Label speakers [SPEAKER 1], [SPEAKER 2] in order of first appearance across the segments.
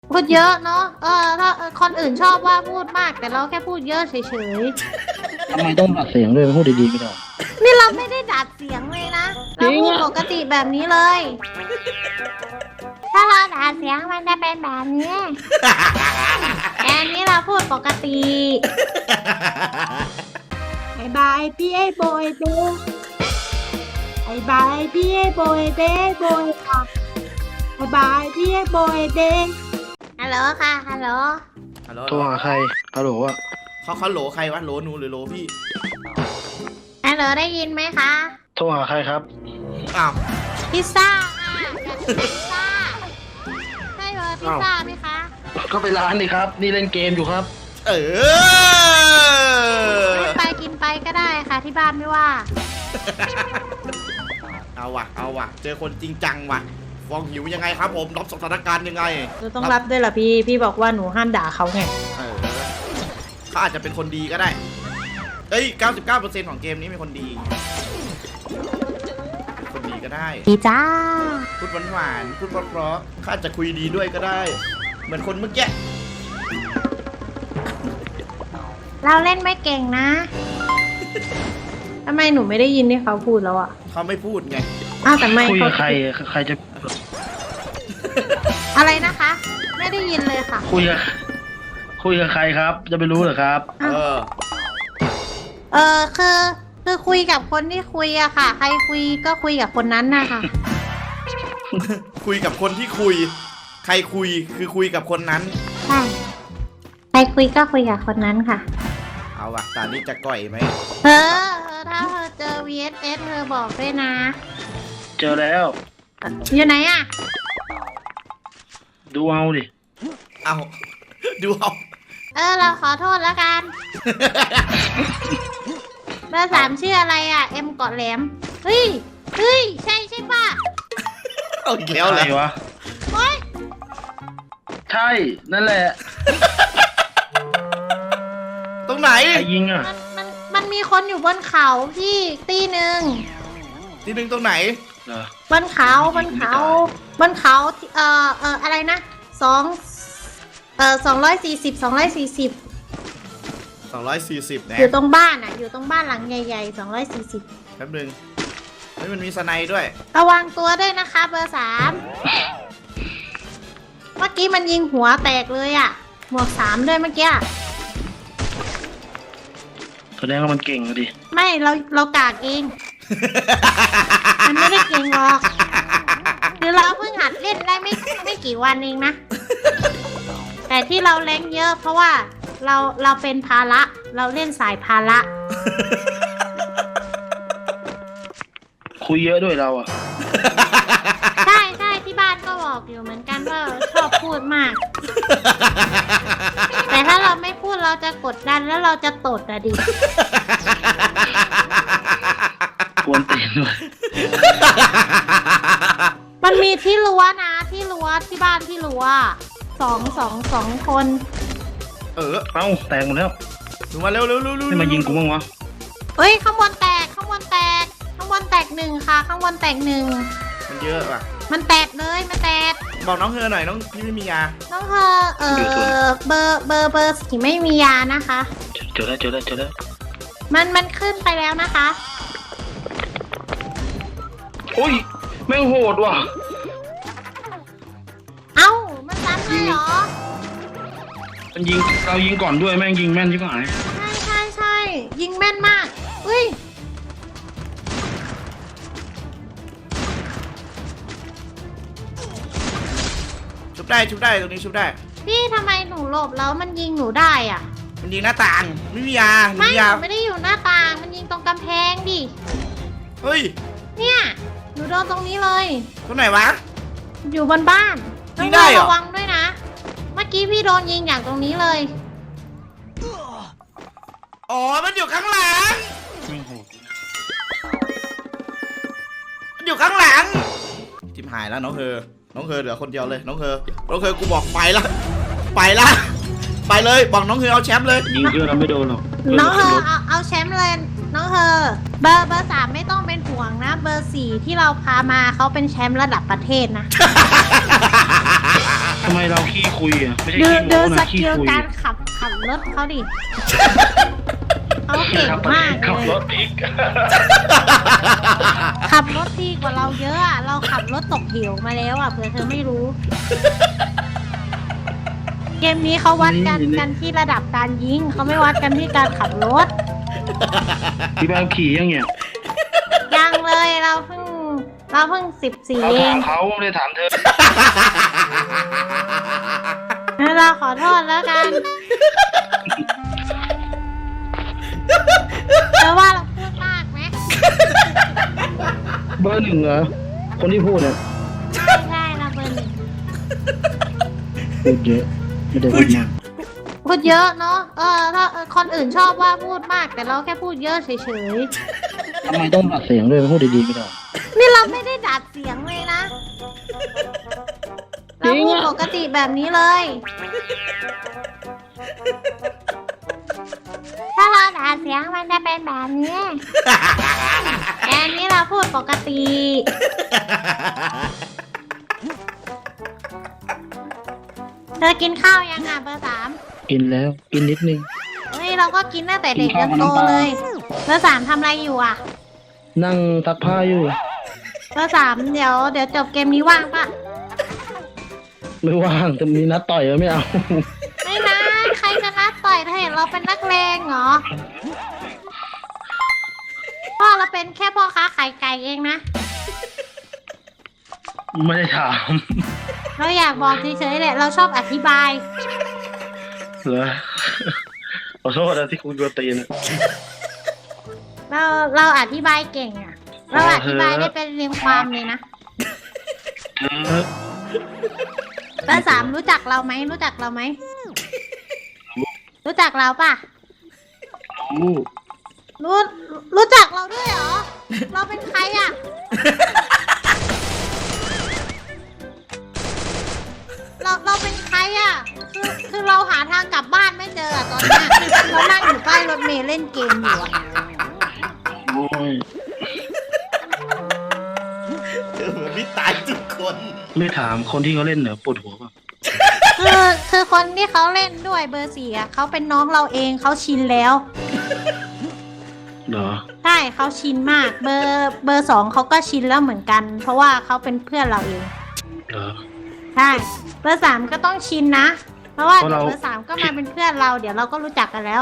[SPEAKER 1] พูดเยอะเนาะถ้าคนอื่นชอบว่าพูดมากแต่เราแค่พูดเยอะเฉย
[SPEAKER 2] ทำไมต้องอัดเสียงด้วยพูดดีๆไม่ได้
[SPEAKER 1] ๆนี่เราไม่ได้ดัดเสียงเลยนะเราพูดปกติแบบนี้เลย ถ้าเราดัดเสียงมันจะเป็นแบบนี้แต่อันนี้เราพูดปกติบายบายพี่ไอ้โบยเด้บายบายพี่ไอ้โบยเด้โบยค่ะบายบายพี่ไอ้โบยเด้ฮัลโหลค่ะฮัลโหล
[SPEAKER 3] ฮัลโหล
[SPEAKER 2] โทรหาใครฮัลโหลอ่ะ
[SPEAKER 3] เขาโหลใครวะโหลหนูหรือโหลพี่
[SPEAKER 1] ฮัลโหลได้ยินไหมคะ
[SPEAKER 2] โทรหาใครครับ
[SPEAKER 3] อ้าว
[SPEAKER 1] พิซซ่าค่ะอยากกินพิซซ่าใช่เบอร์พิซซ่าไหมคะ
[SPEAKER 2] ก็ไปร้านดิครับ นี่เล่นเกมอยู่ครับ
[SPEAKER 3] เออ
[SPEAKER 1] ไปกินไปก็ได้ค่ะที่บ้านไม่ว่า
[SPEAKER 3] เอาว่ะเจอคนจริงจังว่ะฟองหิวยังไงครับผมรับสถานการณ์ยังไง
[SPEAKER 1] หนูต้องรับด้วยเหรอพี่บอกว่าหนูห้ามด่าเขาไง
[SPEAKER 3] เออเขาอาจจะเป็นคนดีก็ได้เอ้ย 99% ของเกมนี้เป็นคนดีคนดีก็ได้
[SPEAKER 1] ดีจ้า
[SPEAKER 3] พูดหวานๆพูดเพราะๆเขาอาจจะคุยดีด้วยก็ได้ เหมือนคนเมื่อกี้
[SPEAKER 1] เราเล่นไม่เก่งนะทำไมหนูไม่ได้ยินที่เขาพูดแล้วอะ
[SPEAKER 3] เขาไม่พูดไง
[SPEAKER 1] อ้าวแต่ไม่
[SPEAKER 2] คุย
[SPEAKER 1] เขา
[SPEAKER 2] กับใครใครจะ
[SPEAKER 1] อะไรนะคะ ไม่ได้ยินเลยค่ะ
[SPEAKER 2] คุยกับใครครับ จะไปรู้เหรอครับ
[SPEAKER 1] คือคุยกับคนที่คุยอะค่ะ ใครคุยก็คุยกับคนนั้นนะคะ
[SPEAKER 3] คุยกับคนที่คุย ใครคุยคือคุยกับคนนั้น
[SPEAKER 1] ใช่ใครคุยก็คุยกับคนนั้นค่ะ
[SPEAKER 3] เอาว่ะตอนนี้จะก่อยไหม
[SPEAKER 1] ถ้าเธอเจอ VSS เธอบอกด้วยนะ
[SPEAKER 2] เจอแล้ว
[SPEAKER 1] อยู่ไหนอะ
[SPEAKER 2] ดูเอาดิ
[SPEAKER 3] เอาดูเอา
[SPEAKER 1] เราขอโทษแล้วกัน เบอร์ 3ชื่ออะไรอะเอ็มเกาะแหลม เฮ้ย ใช่ป่ะ
[SPEAKER 3] เอาอีกแล้ว
[SPEAKER 2] อะ
[SPEAKER 3] เล
[SPEAKER 2] ไร
[SPEAKER 3] ยว
[SPEAKER 2] ะ
[SPEAKER 1] โอ๊ย
[SPEAKER 2] ใช่ นั่นแหละ
[SPEAKER 3] ตรงไหน
[SPEAKER 2] ใครยิงอ่ะ
[SPEAKER 1] มันมีคนอยู่บนเขาพี่ตีหนึ่ง
[SPEAKER 3] ที่หนึ่งตรงไหน
[SPEAKER 2] เหรอ
[SPEAKER 1] บนเขาอะไรนะ240
[SPEAKER 3] 240นะ
[SPEAKER 1] อยู่ตรงบ้านอ่ะ อยู่ตรงบ้านหลังใหญ่ๆ240
[SPEAKER 3] แป๊บนึงเฮ้ยมันมีสไนด์ด้วย
[SPEAKER 1] ระวังตัวด้วยนะคะเบอร์ 3เมื่อกี้มันยิงหัวแตกเลยอ่ะหมวก3ด้วยเมื่อกี้
[SPEAKER 2] แสดงว่ามันเก่งอะดิ
[SPEAKER 1] ไม่เรากากเอง มันไม่ได้เก่งหรอกคือเราเพิ่งหัดเล่นได้ไม่กี่วันเองนะ แต่ที่เราแรงเยอะเพราะว่าเราเป็นภาระเราเล่นสายภาระ
[SPEAKER 2] คุยเยอะด้วยเราอ่ะ
[SPEAKER 1] ใช่ที่บ้านก็บอกอยู่เหมือนกันว่าชอบพูดมาก แต่ถ้าเราไม่พูดเราจะกดดันแล้วเราจะตดอะดิ
[SPEAKER 2] ควรตีนด้วย
[SPEAKER 1] มันมีที่รั้วนะที่รั้วที่บ้านที่รั้วสองคน
[SPEAKER 3] เออ
[SPEAKER 2] เอ้าแตกหมดแล้ว
[SPEAKER 3] ดูมาเร็ว
[SPEAKER 2] ไม่มายิงกูบ้างวะ
[SPEAKER 1] เอ้ยข้างบนแตกข้างบนแตกหนึ่งค่ะข้างบนแตกหนึ่ง
[SPEAKER 3] มันเยอะว่ะ
[SPEAKER 1] มันแตกเลยมันแตก
[SPEAKER 3] บอกน้องเธอหน่อยน้องพี่ไม่มียา
[SPEAKER 1] น้องเธอเบอร์สีไม่มียานะคะ
[SPEAKER 2] เจอแล้ว
[SPEAKER 1] มันขึ้นไปแล้วนะคะ
[SPEAKER 2] โอ้ยแม่งโหดว่ะ
[SPEAKER 1] เอ้ามันซ้ำเลยเหรอ
[SPEAKER 2] มันยิงเรายิงก่อนด้วยแม่งยิงแม่นชิบหาย
[SPEAKER 1] ใช่ยิงแม่นมากอุ้ย
[SPEAKER 3] ชุบได้ตรงนี้ชุบได้
[SPEAKER 1] พี่ทำไมหนูหลบแล้วมันยิงหนูได้อ่ะ
[SPEAKER 3] มันยิงหน้าต่างไม่มียา
[SPEAKER 1] ไม่
[SPEAKER 3] มี
[SPEAKER 1] ห
[SPEAKER 3] ยา
[SPEAKER 1] นูไม่ได้อยู่หน้าต่างมันยิงตรงกำแพงดิ
[SPEAKER 3] เฮ้ย
[SPEAKER 1] เนี่ยหนูโดนตรงนี้เลย
[SPEAKER 3] ตรงไหนวะ
[SPEAKER 1] อยู่บนบ้าน
[SPEAKER 3] ยิงได้เหรอ
[SPEAKER 1] ระวังด้วยนะ เมื่อกี้พี่โดนยิงอย่างตรงนี้เลย
[SPEAKER 3] อ๋อมันอยู่ข้างหลัง
[SPEAKER 2] แม่งโหด
[SPEAKER 3] มันอยู่ข้างหลังทิมหายแล้วน้องเธอเหลือคนเดียวเลยน้องเธอกูบอกไปละไปเลยบอกน้องเธอเอาแชมป์เลย
[SPEAKER 2] ยิงเยอะเราไม่โดนหรอก
[SPEAKER 1] น้องเธอเอาแชมป์เลยน้องเธอเบอร์ 3ไม่ต้องเป็นห่วงนะ เบอร์ 4ที่เราพามาเขาเป็นแชมป์ระดับประเทศนะ
[SPEAKER 2] ทำไมเราขี้คุยอ่ะไม่ใช่
[SPEAKER 1] ดู
[SPEAKER 2] ขี้
[SPEAKER 1] ดู
[SPEAKER 2] โม้
[SPEAKER 1] ส
[SPEAKER 2] นะขี้
[SPEAKER 1] กิล
[SPEAKER 2] คุย
[SPEAKER 1] การขับรถเขาดิเขาเก่งมาก
[SPEAKER 2] ขับ
[SPEAKER 1] เล
[SPEAKER 2] ร
[SPEAKER 1] ย
[SPEAKER 2] ถอีก
[SPEAKER 1] ขับรถดีกว่าเราเยอะอะเราขับรถตกเหวมาแล้วอะเผื่อเธอไม่รู้ เกมนี้เขาวัดกันที่ระดับการยิงเขาไม่วัดกันที่การขับรถ
[SPEAKER 2] พี่บ้าขี่ยังเนี่ย
[SPEAKER 1] ยังเลยเราเพิ่ง14
[SPEAKER 2] เรา
[SPEAKER 1] เอ
[SPEAKER 2] ถาง มเขาไม่ได้ถามเธอ
[SPEAKER 1] งั้นเราขอโทษแล้วกันแต่ว่าเราพูดมากไหม
[SPEAKER 2] เบอร์หนึ่งเหรอคนที่พูดเนี่ย
[SPEAKER 1] ใช่เราเบอร์หนึ่ง
[SPEAKER 2] พูดเยอะไม่ได้พูดมาก
[SPEAKER 1] พูดเยอะเนาะถ้าคนอื่นชอบว่าพูดมากแต่เราแค่พูดเยอะเฉย
[SPEAKER 2] ทำไมต้องอัดเสียงด้วยพูดดีๆไม่ได้
[SPEAKER 1] ๆนี่เราไม่ได้ดัดเสียงเลยนะ
[SPEAKER 2] จริ
[SPEAKER 1] เรา
[SPEAKER 2] งอะ
[SPEAKER 1] พูดปกติแบบนี้เลย ถ้าเราดัดเสียงมันจะเป็นแบบนี้แต่อันนี้เราพูดปกติ เธอกินข้าวยังอ่ะเบอร์ 3
[SPEAKER 2] กินแล้วกินนิดนึง
[SPEAKER 1] เฮ้ยเราก็กินตั้งแต่เด็ก
[SPEAKER 2] กิ
[SPEAKER 1] จ
[SPEAKER 2] น
[SPEAKER 1] น
[SPEAKER 2] ข้าว
[SPEAKER 1] โต
[SPEAKER 2] กับน้ำปลา
[SPEAKER 1] เลยเบอร์ 3ทำอะไรอยู่อ่ะ
[SPEAKER 2] นั่งซักผ้าอยู่
[SPEAKER 1] เบอร์ 3เดี๋ยวจบเกมนี้ว่างปะ
[SPEAKER 2] ไม่ว่างจะมีนัดต่อยก็ไม่เอา
[SPEAKER 1] ไม่นะใครจะนัดต่อยเธอเห็นเราเป็นนักเลงเหรอพ่อเราเป็นแค่พ่อค้าขายไก่เองนะ
[SPEAKER 2] ไม่ได้ถาม
[SPEAKER 1] เราอยากบอกเฉยๆแหละเราชอบอธิบาย
[SPEAKER 2] เหรอขอโทษนะที่คุณกวนตีนอะ
[SPEAKER 1] เราอธิบายเก่งอ่ะ เราอธิบายได้เป็นเรียงความเลยนะ
[SPEAKER 2] เออ
[SPEAKER 1] เบอร์ 3รู้จักเราไหมรู้จักเราไหมรู้จักเราปะ
[SPEAKER 2] รู้
[SPEAKER 1] รู้จักเราด้วยเหรอ เราเป็นใครอ่ะ เราเป็นใครอ่ะ คือเราหาทางกลับบ้านไม่เจออะตอนเนี้ยเรานั่งอยู่ใต้รถเมล์เล่นเกมอยู่อะ
[SPEAKER 2] โอ้ย
[SPEAKER 3] เธอเหมือนไม่ตายทุกคน
[SPEAKER 2] ไม่ถามคนที่เขาเล่นเหรอปวดหัวป่ะ
[SPEAKER 1] คือคนที่เขาเล่นด้วยเบอร์ 4อะเขาเป็นน้องเราเองเขาชินแล้ว
[SPEAKER 2] เหรอ
[SPEAKER 1] ใช่เขาชินมาก เบอร์ 2เขาก็ชินแล้วเหมือนกัน เพราะว่าเขาเป็นเพื่อนเราเอง
[SPEAKER 2] เหรอ
[SPEAKER 1] ใช่เบอร์ 3ก็ต้องชินนะ เพราะว่า
[SPEAKER 2] เพราะ
[SPEAKER 1] เดี๋ยว
[SPEAKER 2] เรา
[SPEAKER 1] เบอร์ 3ก็มาเป็นเพื่อนเรา เดี๋ยวเราก็รู้จักกันแล้ว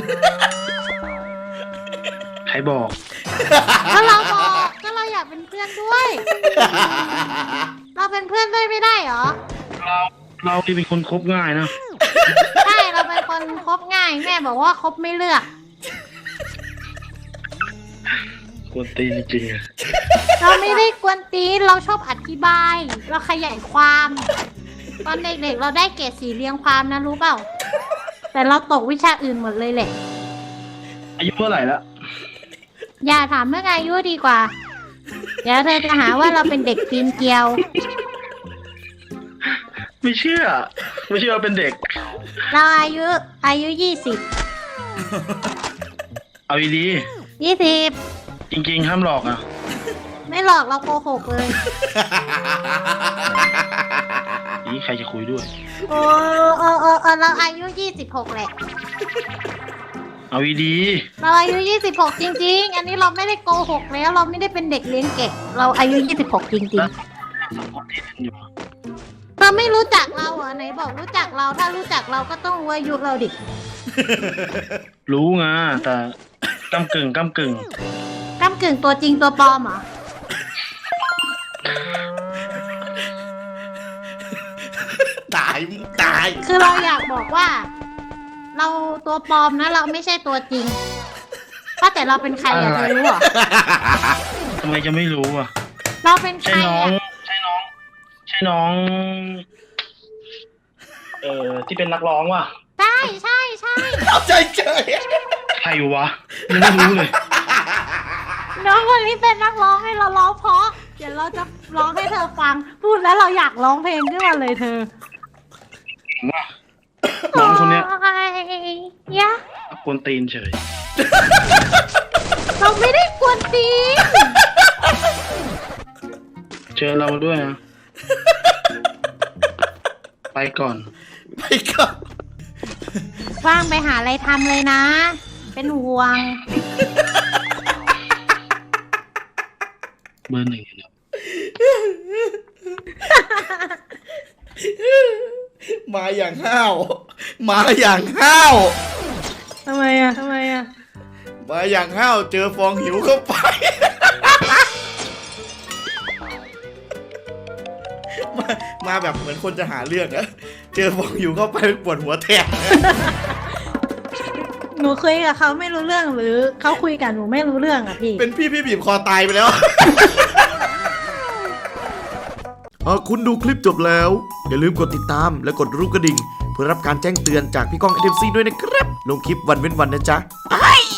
[SPEAKER 2] ใครบอก
[SPEAKER 1] ก็เราบอกก็เราอยากเป็นเพื่อนด้วย เราเป็นเพื่อนด้วยไม่ได้เหรอ
[SPEAKER 2] เราที่เป็นคนคบง่ายนะ
[SPEAKER 1] ใช่เราเป็นคนคบง่ายแม่บอกว่าคบไม่เลือก
[SPEAKER 2] กวนตีนจริงๆอะ
[SPEAKER 1] เราไม่ได้กวนตีนเราชอบอธิบาย เราขยายความ ตอนเด็กๆเราได้เกรด4เรียงความนะรู้เปล่า แต่เราตกวิชาอื่นหมดเลยแหละ
[SPEAKER 2] อายุเท่าไหร่ละ
[SPEAKER 1] อย่าถามเรื่องอายุดีกว่า เดี๋ยวเธอจะหาว่าเราเป็นเด็กปีนเกลียว
[SPEAKER 2] ไม่เชื่อว่าเป็นเด็ก
[SPEAKER 1] เราอายุ20
[SPEAKER 2] เอาดี
[SPEAKER 1] 20
[SPEAKER 2] จริงๆห้ามหลอกอ่ะ
[SPEAKER 1] ไม่หลอกเราโกหกเลย
[SPEAKER 2] นี่ใครจะคุยด้วย
[SPEAKER 1] โอ้เราอายุ26แหละ
[SPEAKER 2] เอาดี
[SPEAKER 1] เราอายุ26จริงๆ อันนี้เราไม่ได้โกหกแล้วเราไม่ได้เป็นเด็กเลี้ยงแกะเราอายุ26จริง
[SPEAKER 2] ๆคนที่เล่นอยู่
[SPEAKER 1] ๆเธอไม่รู้จักเราเหรอไหนบอกรู้จักเราถ้ารู้จักเราก็ต้องรู้อายุเราดิ
[SPEAKER 2] รู้ไงแต่กำกึ่ง
[SPEAKER 1] ก้ำกึ่งตัวจริงตัวปลอมเหรอ
[SPEAKER 3] ตายตาย
[SPEAKER 1] คือเราอยากบอกว่า เราตัวปลอมนะเราไม่ใช่ตัวจริงว่าแต่เราเป็นใครอะเธอรู้เหรอ
[SPEAKER 2] ทำไมจะไม่รู้อ่ะ
[SPEAKER 1] เราเป็นใค
[SPEAKER 2] ใช่
[SPEAKER 1] ร
[SPEAKER 2] น้อง
[SPEAKER 1] อะ
[SPEAKER 2] ใช่น้อง ที่เป็นนักร้องว่ะ
[SPEAKER 1] ใช่
[SPEAKER 3] เอาใจเฉย
[SPEAKER 2] ใครวะยังไม่รู้เลย
[SPEAKER 1] น้องคนนี้เป็นนักร้องให้เราร้องเพราะเดี๋ยวเราจะร้องให้เธอฟัง พูดแล้วเราอยากร้องเพลงขึ้นมาเลยเธอ
[SPEAKER 2] น้องคนเนี้ย
[SPEAKER 1] โอ้ยยะ
[SPEAKER 2] กวนตีนเฉย
[SPEAKER 1] เราไม่ได้กวนตีน
[SPEAKER 2] เจอเราด้วยนะไปก่อน
[SPEAKER 3] ไปก่อน
[SPEAKER 1] ว่างไปหาอะไรทำเลยนะ เป็นห่วง
[SPEAKER 2] เบอร์หนึ่งเนาะ
[SPEAKER 3] มาอย่างห้าวมาอย่างห้าว
[SPEAKER 1] ทำไมอ่ะ
[SPEAKER 3] มาอย่างห้าวเจอฟองหิวเข้าไป มาแบบเหมือนคนจะหาเรื่องอะเจอฟองหิวเข้าไปปวดหัวแทน
[SPEAKER 4] หนูคุยกับเขาไม่รู้เรื่องหรือเขาคุยกับหนูไม่รู้เรื่องอะพี่
[SPEAKER 3] เป็นพี่บีบคอตายไปแล้ว หากคุณดูคลิปจบแล้ว อย่าลืมกดติดตามและกดรูปกระดิ่ง เพื่อรับการแจ้งเตือนจากพี่ก้อง NMC ด้วยนะครับ ลงคลิปวันเว้นวันนะจ๊ะ